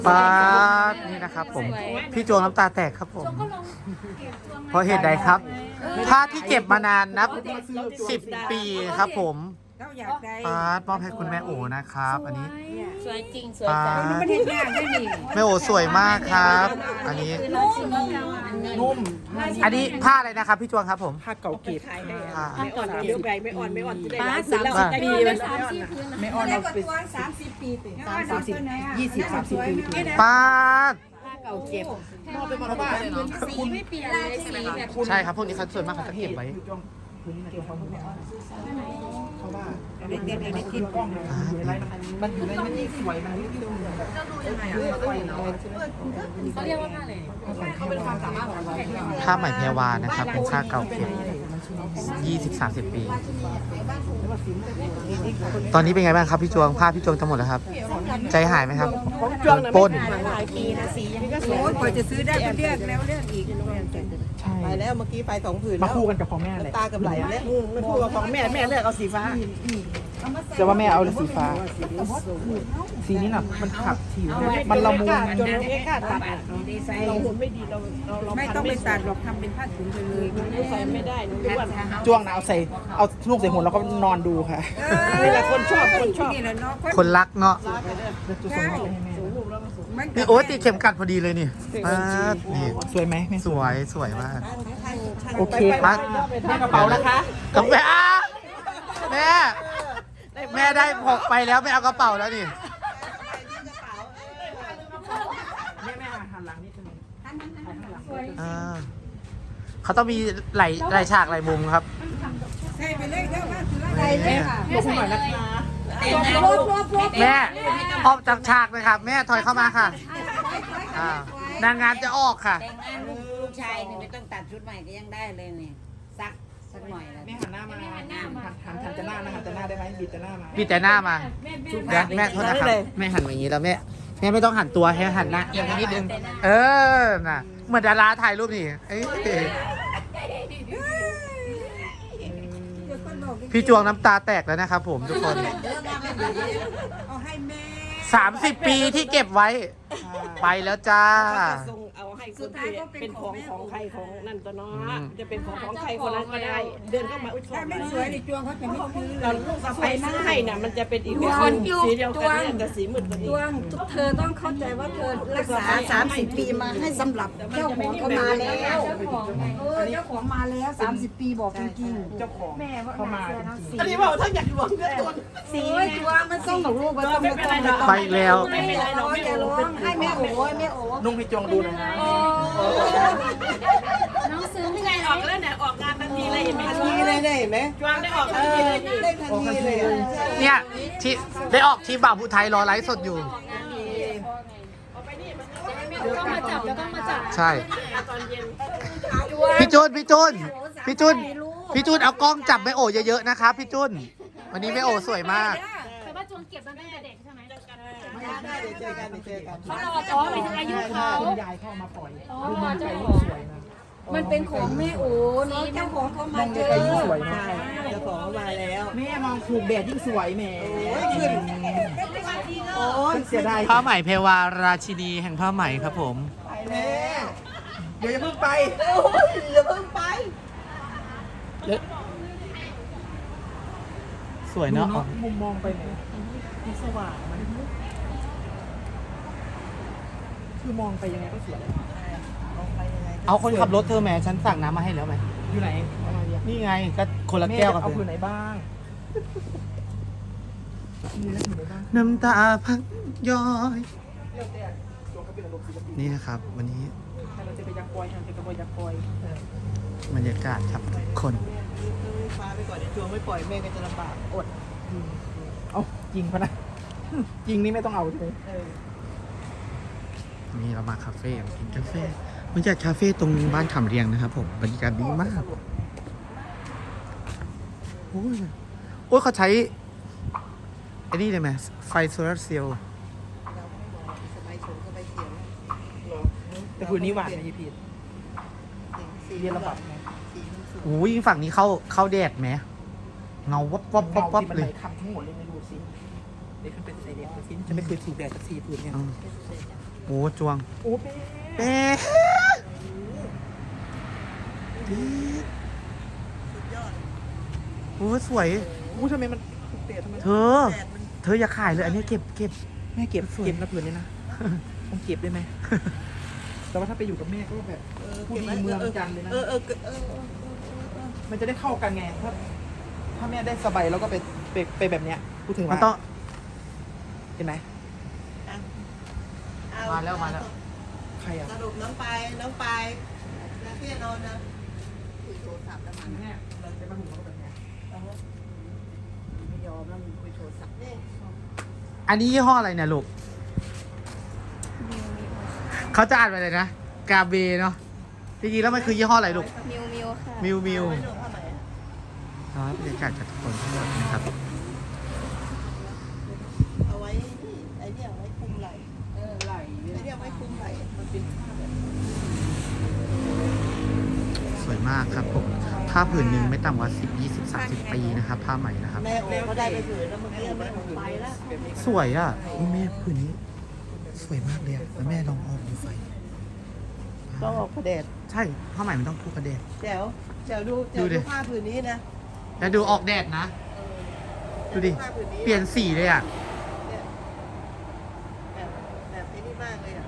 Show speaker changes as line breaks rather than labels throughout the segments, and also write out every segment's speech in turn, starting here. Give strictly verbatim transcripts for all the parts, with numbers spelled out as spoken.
ป้าดนี่นะครับผมพี่โจน้ำตาแตกครับผมเพราะเหตุใดครับผ้าที่เก็บมานานนับสิบปีครับผมป้าดมอบให้คุณแม่โอนะครับอันนี้
สวยจริงสวย
ป้า
จัง
ดแม่โอสวยมากครับ อันนี้
นุ่ม
อันนี้ผ้าอะไรนะครับพี่จวงครับผม
ผ้าเก่าเก็บ
ผ้า
ไม่อ่อนเก็บไม่อ่อนไม่อ่อนจะได้
ป้า
ร้าน
สาม
แล้ว
สิบ
ได้
ปี
ดี
เล
เลย ย
สามสี่พื้น
ไม่อ่อนเราไป
สามสิบปีติ
สามสามสิบยี่สิบสามสิบปี
ป้าด
เก่าเจ็บ
มอบไปหมดแล้วบ้านเลยเนาะ
สีไม่เปลี่ยนเลยสีแบบ
ใช่ครับพวกนี้เขาส่วนมากเขาจะเก็บไว้
เขาว่าเด็กเด็กเด็กที่กล้องอยู่ในไรมันอยู่ในมันยิ่งสวยมันยิ่งดูแบบ
เขาเรียกว่าผ้าอะไร
เขาเป็นความสามารถของเรา
ผ้าไหมแพรวานะครับเป็นผ้าเก่าเก็บ ยี่สิบสามสิบ ปี ตอนนี้เป็นไงบ้างครับพี่จวงผ้าพี่จวงทั้งหมดแล้วครับ ใจหายไหมครับโดนปล้น
หลายปีนะสียังก็สวย
โอ้ยกว่าจะซื้อได้ก็เลือกแล้วเลือกอีก
ใช่
ไปแล้วเมื่อกี้ไปสองผืน
มาคู่กันกับของแม่เลย
ตากับไหลแล้ว
ไม่คู่กับของแม่แม่เลือกเอาสีฟ้าแต่ว่าแม่เอาสีฟ้า สีนี้น่ะมันขับผิวมันละมุนจนเราไม่กล้าตัดเราหุ่นไม่ดีเราเรา
ไม่ต้องไปตัดหรอกทำเป็นผ้าถุงไปเลย
ใส่ไม่ได้หนูรู้ว่าจ้วงนะเอาใส่เอาลูกใส่หุ่นแล้วก็นอนดูค่ะนี่แหละคนชอบคนชอบ
นี่แหละเนาะ
คนรักเนาะ
ใช่มัน
นี่โอ้ติดเข็มกัดพอดีเลยนี่ป้าดนี่
สวยไหม
สวยสวยมาก
โอเคครับกระเป๋านะคะ
กับแม่อ่ะแม่ แม่ได้หกไปแล้วไม่เอากระเป๋าแล้วนี่
แม่แม่หันหลังนิดนึง
อ่าเขาต้องมีไหลไหลฉากไหลมุมครับ
ใช่ไปเลยเด้อว่าถืออะไรเลยค่ะ
ลงหน่อยนะคะ
แม่ออกจากฉากเลยครับ แม่ถอยเข้ามาค่ะอ่านางงามจะออกค่ะ
แต่งงานลูกลูกชายนี่ไม่ต้องตัดชุดใหม่ก็ยังได้เลยนี่ซักสักหน่อยแล้ว
แม่หันหน้ามาหันหน้าหันหันหันจะหน้านะหันจะหน้าได้ไหมบิดจะหน้ามา
พี่แต่หน้ามาเดี๋ยวแม่โทษนะครับแม่หันมาอย่างนี้แล้วแม่แม่ไม่ต้องหันตัวให้หันหน้าเอียงไปนิดนึงเออน่ะเหมือนดาราถ่ายรูปนี่เอ้ยพี่จวงน้ำตาแตกแล้วนะครับผมทุกคน
เอาให้แม่
สามสิบ ปีที่เก็บไว้ ไปแล้วจ้า
ส่งเอาให้คนที่เป็นของของใครของนั่นตัวเนาะจะเป็นของของใครคนนั้นก็ได้ เดินเข้ามาอุ้ยชอ
ถ้า
บ
ไม่สวยในจวงเขาจะไม่ซื้อเล
เรา
ย
ลูกสะใภ้ซื้อให้น่ะมันจะเป็นอีกคนสีเดียวกันเนี่ยแต่สีมืดกว่า
จ
นี้
วงเธอต้องเข้าใจว่าเธอรักษาสามสิบปีมาให้สำหรับเจ้าของเขามาแล้วเออเจ้าของมาแล้วสามสิบปีบอกจริงๆ
เจ้าของเข้ามาจริง
อันนี้บอกถ้าอยากหลวงก็ตัว
สีจวงมันต้องหนูลูกมันต้องไม่ต้อง
ไปแล้ว
ไม่เป็นไรหรอกอย่าร้องให้แม่โอ้ยแม่โอ้
ๆนุ่งให้จวงดูหน่อยนะ
น้องซื้อ
นี่ไงออกแล้วเนี่ยออกงานทันทีเลยเห็นไหม
ทันทีเลยได้ไหม
จวงได้ออกทันทีเลยนี่
ได้ทันทีเลย
เนี่ยที่ได้ออกทีมบ่าวผู้ไทยรอไลฟ์สดอยู่
ต้องมาจับแล้วต้องมาจับ
ใช่
ตอนเย็น
พี่จุนพี่จุนพี่จุนพี่จุนเอากล้องจับแม่โอเยอะๆนะครับพี่จุนวันนี้แม่โอสวยมาก
แต่ว่าจวงเก็บตั้งแต่เด็กใช่ไหม
ได้เดี๋ยวเจอกันเดี๋ยวเจอกัน
เขารออ๋อไปถึงอายุเขา
คุณยายเข้ามาปล่อยดูมันไก่สวยนะ
มันเป็นของแม่โอ้เนาะเจ้าของเขามาเจอ
ไก่สวยมาก
เจ้าของมาแล้ว
แม่มองถูกแดดยิ่งสวยแม่
ขึ้นโอ้ย
เสียดาย
ผ้าไหมเพวาราชินีแห่งผ้าไหมครับผม
ไปแม่
เดี๋ยวอย่าเพิ่งไป
โอ้ยอย่าเพิ่งไป
สวยเนาะ
มุมมองไปไหนที่สว่างมันคือมองไปยังไงก็สวย
เอาคนขับรถเธอแหมฉันสั่งน้ำมาให้แล้วไหม
อยู่ไหน
นี่ไงก็คนละแก้วกับ
เอา
เธ
ผืน
อ
ไหนบ้างมีแล้วผืนไหนบ้าง
น้ำตาพักย้อย
เลือกแต่ตัวเขาเป็นอารมณ์ศิลปิน
นี่นะครับ วันนี้
ถ้าเราจะไปยักษ์ปอยทางจะกระบอยยักษ์ปอย
บรรยากาศครับทุกคน
ฟ้าไปก่อนเดี๋ยวจวงไม่ปล่อยแม่ก็จะลำบากอด
เอาจริงปะนะจริงนี่ไม่ต้องเอาใช่ไหม
เออ
นี่เรามาคาเฟ่มากินกาแฟบรรยากาศคาเฟ่ตรงบ้านขำเรียงนะครับผมบรรยากาศดีมากโอ้ยโอ้ยเขาใช้ไอ้นี่เลยไหมไฟโซลาร์เซลล์
เราไม่บอกสบายชมสบายเขียว
แต่ผืนนี้หวานนะยี่พีท
สี
เรียนระบับไง
สีมันสวย
โอ้ยฝั่งนี้เข้าเข้าแดดไหมเงาวับวับวับวับ
ที่มัน
เล
ไหล
ย
คำทั้งหมดเลยไม่ดูสิเดี๋ยวขึ้นเป็นสีแดงสิจะไม่เคยถูกแดดสักสีผืนเนี่ย
อืมอ้จวง
โอ้เป๊
เป๊ะโอ้สวย
อู้ทำไมมันเตะทำไม
เธอ เธออย่าขายเลย อันนี้เก็บเก็บ
แม่เก็บเก็บนะเผื่อนี้นะต้องเก็บได้ไหมแต่ว่าถ้าไปอยู่กับแม่ก็แบบผู้ดีเมืองจันทร์เลยนะ
เออเออเออ
มันจะได้เข้ากันไงถ้าถ้าแม่ได้สบายแล้วก็ไปไปไปแบบเนี้ยพูดถึง
มัน
ว่า
ต้อง
เห็นไหม
มาแล้วมาแล้ว
ใครอ่ะ
สรุปน้องไปน้องไปแล้วพี่นอนนะคุยโทรศัพท์แล้วมัน
แม่เราจะมาหุงเราก็แบบเนี้ย
ไม่ยอมแล้วมึงคุยโทรศัพท์นี่
อันนี้ยี่ห้ออะไรเนี่ยลูก เขาจะอ่านว่าอะไรนะ กาเบเนาะ จริงๆแล้วมันคือยี่ห้ออะไรลูก
มิวมิวค่ะ
มิวมิว
ไว้หนูเท่าไหร่
ครับบรรยากาศจากทุกคนทั้งหมดนะครับ
เอาไว้นี่ไอ้เนี่ยเอาไว้คุมไหล่เออไหล่ไอ้เนี่ยเอาไว้คุมไหล่มันเป็นผ้าแบบ
สวยมากครับผม ผ้าผืนหนึ่งไม่ต่ำกว่าสิบ ยี่สิบ สามสิบปีนะครับ ผ้าใหม่นะครับ
แม่โอ้เขาได้ไปผืนแล้วเมื่อกี้แม่ผมไปแล้ว
สวยอ่ะอุ๊ยแม่ผืนนี้ สวยมากเลยอะแล้วแม่ลองออกดูไฟ
ต้องออกกระเด็ด
ใช่ ผ้าใหม่มันต้องทุกกระเด็น
แจ๋วแจ๋วดูแจ๋
ดู
ว
ดิ
ดูผ้าผืนนี้นะ
แล้วดูออกแดดนะ ดูดิ
ผ้าผืนนี้
เปลี่ยนสีเลยอ่ะ
เนี่ยแบบแบบนี้นี่มากเลยอ่ะ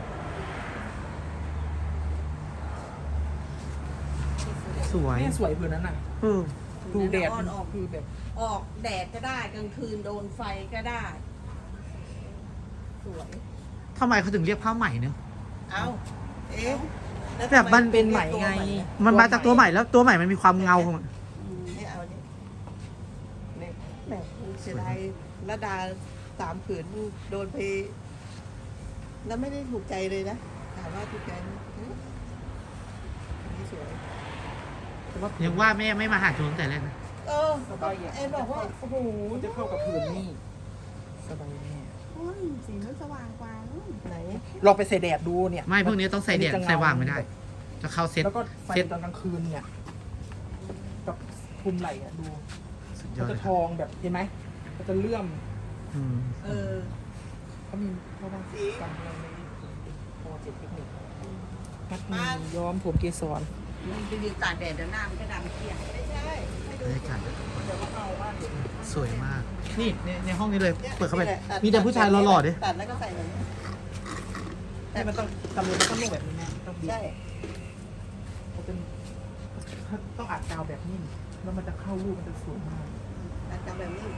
สวย
แม่สวยเพื่อนนั้นน่ะ
เออ
ดูแดด
อ่อนออก
คือแบบ
ออกแดดก็ได้กลางคืนโดนไฟก็ได้ สวย
ทำไมเขาถึงเรียกผ้าใหม่เนี่ย
เอาเอ๊ะล้ว
แบบมัน
ทำ
เป็นใหม่ไง
มันมาจากตัวใหม่แล้วตัวใหม่มันมีความเงาของมัน
อืมนี่เอานี่นี่แหมเสียดายระดาสามผืนโดนไป แล้วไม่ได้ถูกใจเลยนะ ถามว่าถูกใจไหมอืมอันนี่สวย
ยังว่าแม่ไม่มาหาจูนตั้งแต่แรกนะ
เออเอ็นบอกว่า โอ้โห
มันจะเข้ากับผืนนี่สบายแม่
อุ้ยสีมันสว่างกว่านู้น
ไหน
ลองไปใส่แดดดูเนี่ย
ไม่พวกนี้ต้องใส่แดด
อันนี้จะเงา
ใส่ว่างไม่ได้ จะเข้าเซ็ต
แล้วก็ไฟ
เซ็ต
ตอนกลางคืนเนี่ยกับคลุมไหล่อะดู
สุดย
มั
อน ด
จะ
เลย
ท
ครับ
องแบบเห็นไหมมันจะเลื่อม
อืม
เออ
เขามีเขาบาง
สี
กันอะไรในโปรเจกต์เทคนิคมัด
มา
มือย้อมผมเกสร
มันไปยืนตากแดดเดี๋ยวหน้ามันก็ดำเกลี้ยง
ไม่ใช่ให้ดู
บรรยากาศ
เดี๋ยวเข้าบ้าน
สวยมาก นี่ในในห้องนี้เลย
นี่ย
เปิดเข้าไป
นี่แหละ
มีแต่ผู้ชายหล่อๆดิ
ตัดแล้วก็ใส่แบบนี้
แต่มันต้องตำรวจมันต้องลงแบบนี้แม่ต้องบีบ
ใช่
มันเป็นต้องอัดกาวแบบนิ่มแล้วมันจะเข้ารูปมันจะสวยมาก
ตัดจำแบบนี้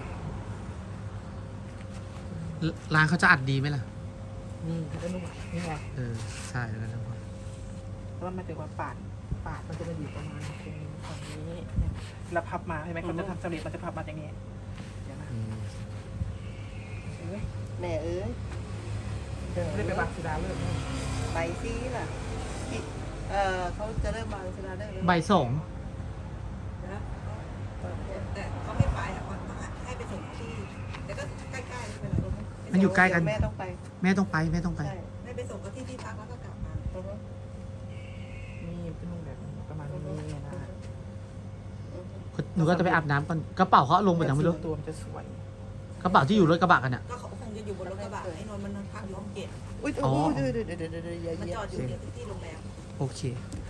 ร้านเขาจะอัดดีไหมล่ะ
นี่มันจะนุ่มอ่ะนี่ไง
เออ ใช่แล้วนะ
แล้วมันจะว่าปาดปาดมันจะมาอยู่ประมาณตรงนี้ฝั่งนี้เนี่ยแล้วพับมาใช่ไหมเขาจะทำสำเร็จมันจะพับมาอย่างนี้เดี๋ยวนะ
อืม
เอ้ย
แม่เอ้ย
ไม่ได้ไปบางสุดาเลิกนี่
ไปซีล่ะที่เออเขาจะเริ่มมาชนะได้เลย
ใบสอง
นะแต่เขาไม่ไปอ่ะเขาให้ไปส่งที่แต่ก็ใกล้ๆไม่เป็นไร
มันอยู่ใกล้กัน
แม่ต้องไป
แม่ต้องไปแม่ต้องไป
ใช่ไม่ไปส่งก็ที่ที่พักแล้วก็กลับมา
นี่เป็นนุ่มแบบประมาณนี้นะ
หนูก็จะไปอาบน้ำก่อน กระเป๋าเขาเอาลงไปยังไม่รู้
ตัวมันจะสวย
กระเป๋าที่อยู่รถกระบะกันเนี่ย
ก็เขาคงจะอยู่บนรถกระบะไอ้นนท์มันพักอยู่ห้องเจ็ด
อุ้ย
อ๋อ
เดี๋ยวเดี๋ยวเดี๋ยวเดี๋ยวอย่า
มัน
เหยีย
จอบ ดอยู่ที่โรงแรม
โอเค
เ